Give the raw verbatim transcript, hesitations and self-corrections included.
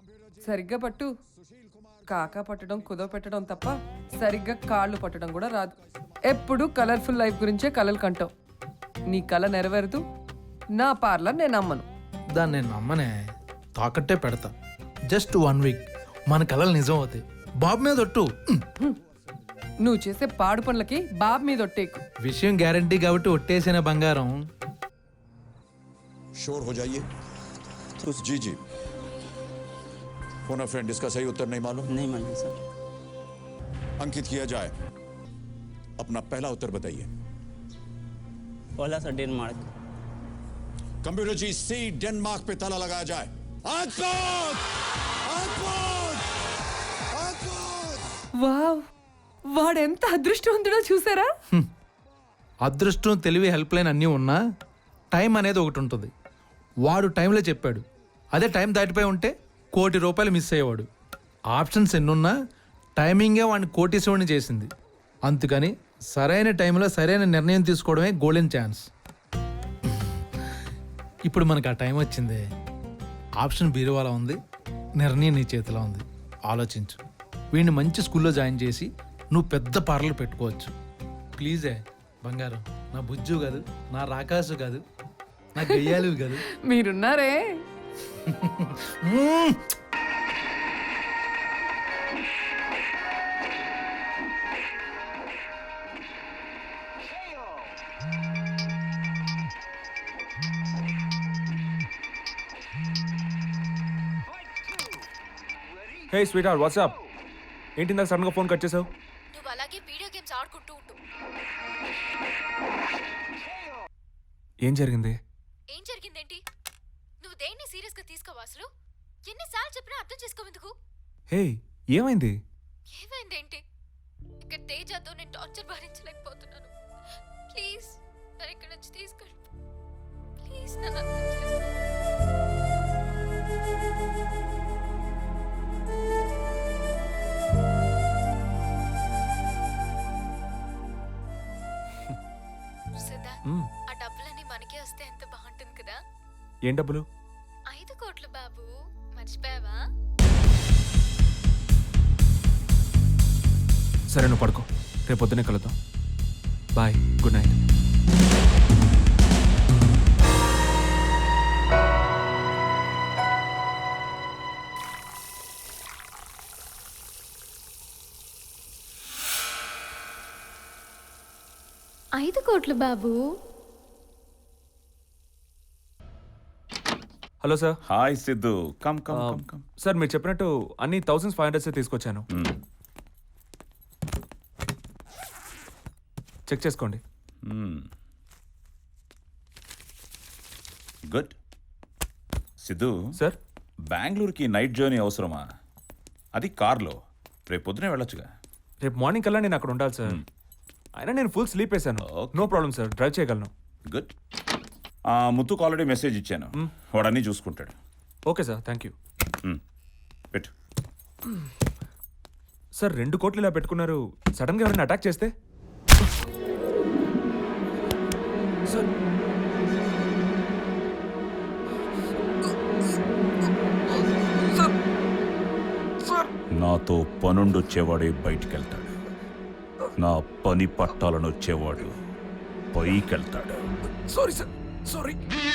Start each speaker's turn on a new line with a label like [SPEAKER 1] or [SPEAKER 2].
[SPEAKER 1] సరిగ్గా పట్టు. కాకా పట్టడం కుదో పెట్టడం తప్ప సరిగ్గా కాళ్ళు పట్టడం కూడా రాదు. ఎప్పుడు కలర్ఫుల్ లైఫ్ గురించే కలలు కంటావు. నీ కళ నెరవేరదు. నా పార్లర్ నేను నమ్మను.
[SPEAKER 2] దాన్ని నేను నమ్మనే, తాకట్టే పెడతా. జస్ట్ వన్ వీక్ మన కళలు నిజం అవుతాయి. బాబు మీద ఒట్టు.
[SPEAKER 1] నువ్వు చేసే పాడు పనులకి బాబు మీద ఒట్టేకు.
[SPEAKER 2] విషయం గ్యారంటీ కాబట్టి ఒట్టేసిన బంగారం.
[SPEAKER 3] शोर हो जाइए। जी जी फोन अ फ्रेंड, इसका सही उत्तर नहीं मालूम?
[SPEAKER 4] नहीं मालूम सर।
[SPEAKER 3] अंकित किया जाए। अपना पहला उत्तर बताइए।
[SPEAKER 4] पहला सर डेनमार्क।
[SPEAKER 3] कंप्यूटर जी सी डेनमार्क पे ताला लगाया जाए। अद्भुत! अद्भुत! अद्भुत!
[SPEAKER 1] వావ్, వాడెంత అదృష్టవంతుడో చూసారా?
[SPEAKER 2] అదృష్టం, తెలివి, హెల్ప్ లైన్ అన్నీ ఉన్నా టైం అనేది ఒకటి ఉంటుంది. వాడు టైంలో చెప్పాడు. అదే టైం దాటిపోయి ఉంటే కోటి రూపాయలు మిస్ అయ్యేవాడు. ఆప్షన్స్ ఎన్నున్నా టైమింగే వాడిని కోటీశ్వరుని చేసింది. అందుకని సరైన టైంలో సరైన నిర్ణయం తీసుకోవడమే గోల్డెన్ ఛాన్స్. ఇప్పుడు మనకు ఆ టైం వచ్చింది. ఆప్షన్ బీరువాలో ఉంది, నిర్ణయం నీ చేతిలో ఉంది. ఆలోచించు. వీడిని మంచి స్కూల్లో జాయిన్ చేసి నువ్వు పెద్ద పార్లర్ పెట్టుకోవచ్చు. ప్లీజే బంగారం, నా బుజ్జు కాదు, నా రాకాసు కాదు, నా గయ్యాలు కాదు.
[SPEAKER 1] మీరున్నారే.
[SPEAKER 5] Hey sweetheart, what's up? ఏంటి నాకు సడన్గా ఫోన్ కట్ చేసావు?
[SPEAKER 6] నువ్వు అలాగే వీడియో గేమ్స్ ఆడుకుంటూ ఉంటు.
[SPEAKER 5] ఏం జరిగింది?
[SPEAKER 6] ఏం జరిగిందేంటి? నువ్వు దేన్ని సీరియస్ గా తీసుకోవా అసలు? ఎన్నిసార్లు చెప్పినా అర్థం చేసుకోవెందుకు?
[SPEAKER 5] హే ఏమైంది?
[SPEAKER 6] ఏమైందేంటి? ఇక్కడ తేజతో నేను టార్చర్ భరించలేకపోతున్నాను. ప్లీజ్ నన్ను ఇక్కడ నుంచి తీసుకెళ్ళు. ప్లీజ్ నన్ను అర్థం చేసుకో. ఆ డబ్బులన్నీ మనకే వస్తే ఎంత బాగుంటుంది కదా.
[SPEAKER 5] ఏం డబ్బులు?
[SPEAKER 6] ఐదు కోట్లు బాబు, మర్చిపోయావా?
[SPEAKER 5] సరే నువ్వు పడుకో, రేపు పొద్దునే కలుద్దాం. Bye, good night.
[SPEAKER 6] ఐదు కోట్లు బాబు.
[SPEAKER 5] Hello sir.
[SPEAKER 7] Hi Siddhu, come come come come.
[SPEAKER 5] Sir మీరు చెప్పినట్టు అన్ని థౌసండ్స్ ఫైవ్ హండ్రెడ్స్ తీసుకొచ్చాను. చెక్ చేసుకోండి.
[SPEAKER 7] గుడ్. సిద్ధు
[SPEAKER 5] సార్,
[SPEAKER 7] బెంగళూరుకి నైట్ జర్నీ అవసరమా? అది కార్లో. రేపు పొద్దునే వెళ్ళొచ్చుగా.
[SPEAKER 5] రేపు మార్నింగ్ కల్లా నేను అక్కడ ఉండాలి సార్. అయినా నేను ఫుల్ స్లీప్ వేసాను. నో ప్రాబ్లం సార్, డ్రైవ్ చేయగలను.
[SPEAKER 7] గుడ్. ముత్తుకు ఆల్రెడీ మెసేజ్ ఇచ్చాను, వాడు అన్నీ చూసుకుంటాడు.
[SPEAKER 5] Okay sir, thank you.
[SPEAKER 7] పెట్టు.
[SPEAKER 5] సార్ రెండు కోట్లు ఇలా పెట్టుకున్నారు, సడన్గా ఎవరైనా అటాక్ చేస్తే? సార్
[SPEAKER 7] నాతో పనుండొచ్చేవాడే బయటికి వెళ్తాడు, నా పని పట్టాలను వచ్చేవాడు పైకి వెళ్తాడు.
[SPEAKER 5] Sorry sir, sorry.